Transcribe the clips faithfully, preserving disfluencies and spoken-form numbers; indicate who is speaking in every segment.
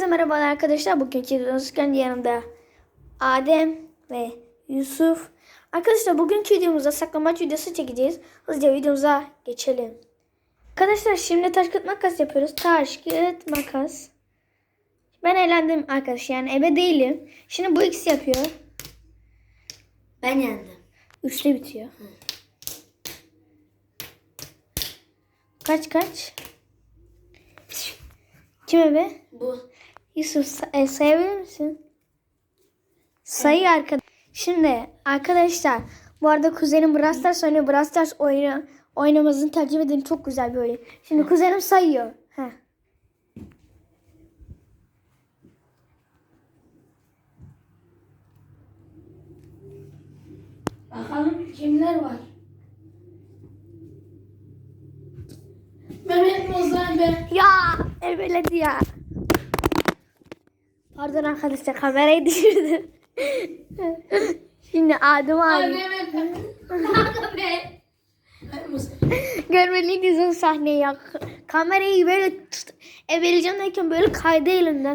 Speaker 1: Herkese merhabalar arkadaşlar. Bugünkü videomuz kendi yanımda Adem ve Yusuf. Arkadaşlar bugünkü videomuzda saklambaç videosu çekeceğiz. Hızlıca videomuza geçelim. Arkadaşlar şimdi taş kağıt makas yapıyoruz. Taş kağıt makas. Ben eğlendim arkadaşlar, yani ebe değilim. Şimdi bu ikisi yapıyor.
Speaker 2: Ben yendim.
Speaker 1: Üçle bitiyor. Hı. Kaç kaç? Kim ebe?
Speaker 2: Bu.
Speaker 1: Yusuf say- sayabilir misin? Sayı arkadaş. Şimdi arkadaşlar bu arada kuzenim Brawl Stars oynuyor. Brawl Stars oyunu oynamamızın takip edin, çok güzel bir oyun. Şimdi kuzenim sayıyor. Heh.
Speaker 2: Bakalım kimler var? Mehmet Mozan be.
Speaker 1: Ya ebeledi ya. Pardon arkadaşlar, kamerayı düşürdüm. Şimdi Adem abi.
Speaker 2: Mehmet be. Kanka be.
Speaker 1: Görmeliydiniz o sahneyi ya. Kamerayı böyle tut. Ebeleyeceğim derken böyle kaydı elimden.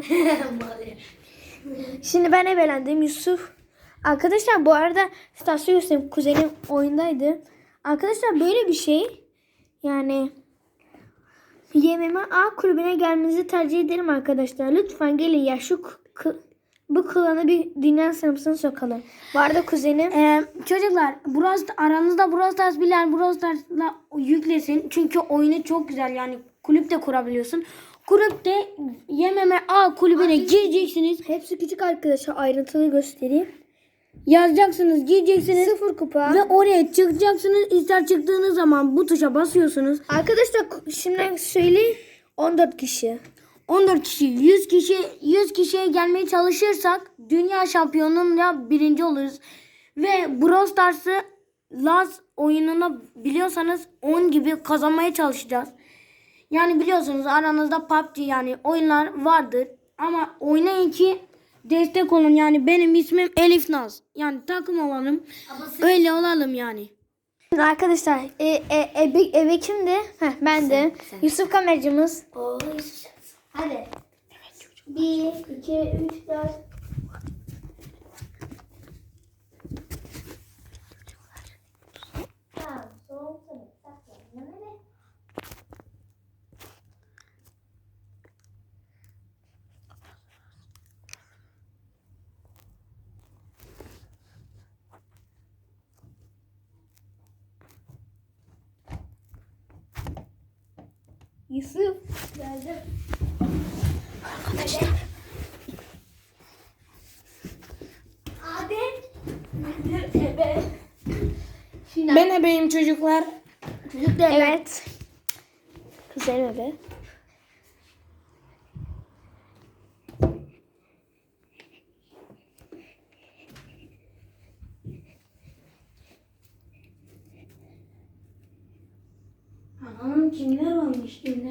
Speaker 1: Şimdi ben ebelendim, Yusuf. Arkadaşlar bu arada Stasyo Yusuf kuzenim oyundaydı. Arkadaşlar böyle bir şey. Yani Y M M A kulübüne gelmenizi tercih ederim arkadaşlar. Lütfen gelin ya, şu k- bu klanı bir dünya sınıfına sokalım. Bu arada kuzenim.
Speaker 2: Ee, çocuklar Brawl, aranızda Brawl Stars bilen Brawl Stars'la yüklesin. Çünkü oyunu çok güzel, yani kulüp de kurabiliyorsun. Kulüpte Y M M A kulübüne gireceksiniz.
Speaker 1: Hepsi küçük arkadaşlar, ayrıntılı göstereyim.
Speaker 2: Yazacaksınız, gireceksiniz.
Speaker 1: Sıfır kupa.
Speaker 2: Ve oraya çıkacaksınız. İster çıktığınız zaman bu tuşa basıyorsunuz.
Speaker 1: Arkadaşlar şimdi söyleyeyim, on dört kişi.
Speaker 2: on dört kişi, yüz kişi, yüz kişiye gelmeye çalışırsak dünya şampiyonluğunda birinci oluruz. Ve Brawl Stars'ı Laz oyununu biliyorsanız on gibi kazanmaya çalışacağız. Yani biliyorsunuz aranızda P U B G yani oyunlar vardır. Ama oynayın ki destek olun. Yani benim ismim Elif Naz. Yani takım olalım. Öyle olalım yani.
Speaker 1: Şimdi arkadaşlar e, e, ebe, ebe kimdi? Heh, ben de.
Speaker 2: sen.
Speaker 1: Yusuf kameracımız.
Speaker 2: Oy.
Speaker 1: Hadi. Bir, iki, üç, dört. Tamam, sol, sol, saklan. Ne? Yusuf geldi.
Speaker 2: Arkadaşlar.
Speaker 1: Adem. Ebe. Şimdi
Speaker 2: Ben ebeyim çocuklar. Çocuklar.
Speaker 1: evet. Güzel ebe.
Speaker 2: Anam kimler varmış kimler?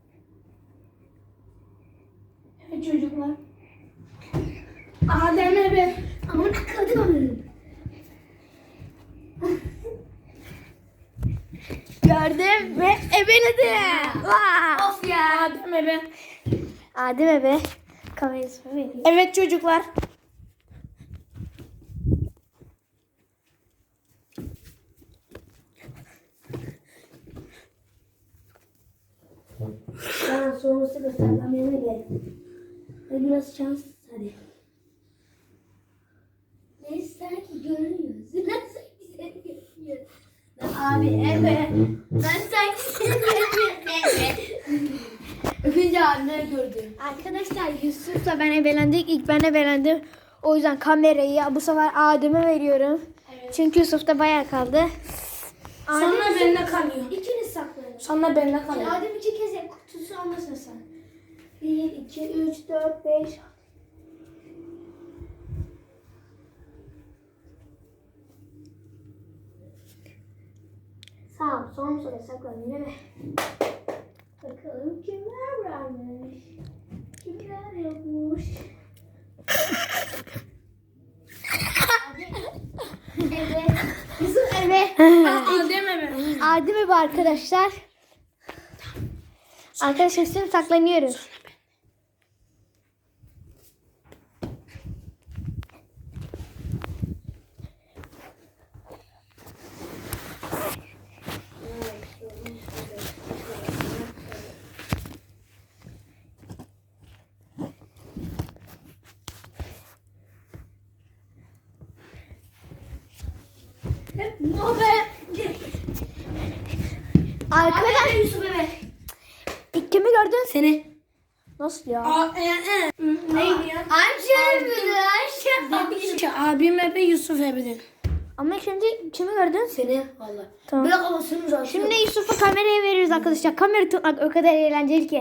Speaker 2: Evet çocuklar. Adem ebe.
Speaker 1: Aman akıllı. Gördüm ve ebeledim. Vaa!
Speaker 2: Of ya. Adem ebe.
Speaker 1: Adem ebe. Kamerayı vereyim.
Speaker 2: Evet çocuklar.
Speaker 1: Tamam, soğumusu göster. Kameraya gel. Ve biraz şans hadi. Ne sanki görünüyorsun. Ben sanki seni görünüyorum. Abi ebe. Ben sanki seni görünüyorum.
Speaker 2: Öpünce anne gördüm.
Speaker 1: Arkadaşlar Yusuf'la ben ebelendik. İlk ben ebelendim. O yüzden kamerayı bu sefer Adem'e veriyorum.
Speaker 2: Evet.
Speaker 1: Çünkü Yusuf da bayağı kaldı.
Speaker 2: Sonra bende kalıyor.
Speaker 1: İkiniz saklayın.
Speaker 2: Sonra bende kalıyor.
Speaker 1: Adem iki kez kutusu almasın sen. Bir, iki, üç, dört, beş. Sağ son soruya saklan yine mi? Bakalım kimler varmış. Kimler yokmuş. Evet. Yusuf eve.
Speaker 2: Adem ebe.
Speaker 1: Adem eve arkadaşlar. Arkadaşlar şimdi saklanıyoruz. Arkadaşlar
Speaker 3: Yusuf Ebe.
Speaker 1: ilk kimi gördün?
Speaker 2: Seni.
Speaker 1: Nasıl ya?
Speaker 3: Aa, e, e. Neydi ya?
Speaker 1: Ayşe müdür Ayşe.
Speaker 2: Abim Ebe, Yusuf Ebe'den.
Speaker 1: Ama şimdi kimi gördün?
Speaker 3: Seni valla.
Speaker 1: Tamam.
Speaker 3: Bırak havasını zaten.
Speaker 1: Şimdi Yusuf'a kamerayı veriyoruz arkadaşlar. Kamera tutmak o kadar eğlenceli ki.